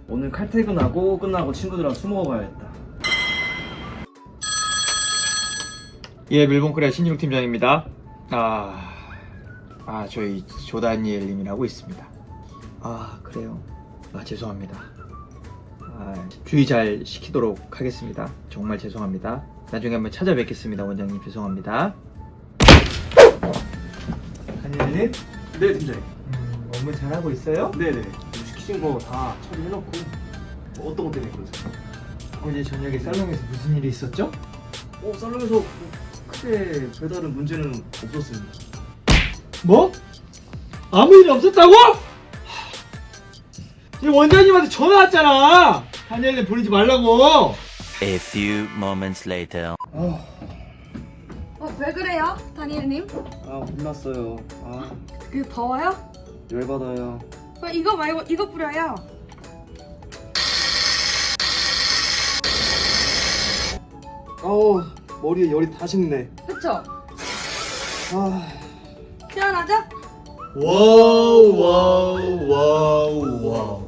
오늘 칼퇴근하고 끝나고 친구들이랑 술 먹어봐야겠다. 예, 밀봉코리아 신진욱 팀장입니다. 저희 조다니엘님이라고 있습니다. 그래요. 죄송합니다. 주의 잘 시키도록 하겠습니다. 정말 죄송합니다. 나중에 한번 찾아뵙겠습니다. 원장님 죄송합니다. 다니엘님? 네, 팀장님. 업무 잘하고 있어요? 네네. 시키신 거 다 처리해놓고 어떤 것 때문에 그러세요? 어제 저녁에 살롱에서 무슨 일이 있었죠? 살롱에서 크게 별다른 문제는 없었습니다. 뭐? 아무 일이 없었다고? 이 원장님한테 전화 왔잖아. 다니엘님 보내지 말라고. A few moments later. 왜 그래요, 다니엘님? 혼났어요. 그 더워요? 열받아요. 이거 말고 이거 뿌려요. 머리에 열이 다 식네. 그쵸? 시원하죠? 와우.